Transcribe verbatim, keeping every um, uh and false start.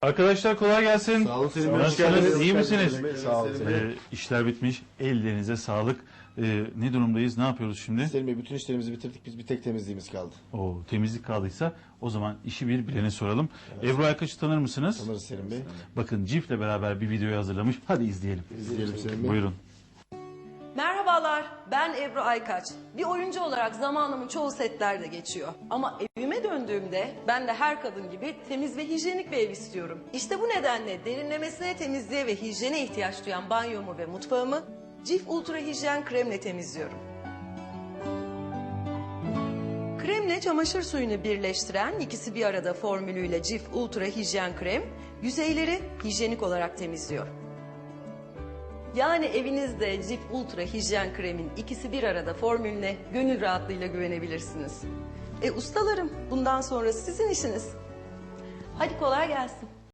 Arkadaşlar kolay gelsin. Sağ olun Selim Bey. Nasılsınız? İyi misiniz? Sağ olun Selim Bey. Ee, işler bitmiş. Ellerinize sağlık. Ee, ne durumdayız? Ne yapıyoruz şimdi? Selim Bey, bütün işlerimizi bitirdik. Biz bir tek temizliğimiz kaldı. O temizlik kaldıysa o zaman işi bir bilene soralım. Ebru Aykaç'ı tanır mısınız? Tanırız Selim Bey. Bakın Cif'le beraber bir videoyu hazırlamış. Hadi izleyelim. İzleyelim Selim Bey. Buyurun. Merhabalar, ben Ebru Aykaç. Bir oyuncu olarak zamanımın çoğu setlerde geçiyor. Ama evime döndüğümde ben de her kadın gibi temiz ve hijyenik bir ev istiyorum. İşte bu nedenle derinlemesine temizliğe ve hijyene ihtiyaç duyan banyomu ve mutfağımı Cif Ultra Hijyen Kremle temizliyorum. Kremle çamaşır suyunu birleştiren ikisi bir arada formülüyle Cif Ultra Hijyen Krem yüzeyleri hijyenik olarak temizliyor. Yani evinizde Cif Ultra Hijyen Krem'in ikisi bir arada formülüne gönül rahatlığıyla güvenebilirsiniz. E ustalarım, bundan sonra sizin işiniz. Hadi kolay gelsin.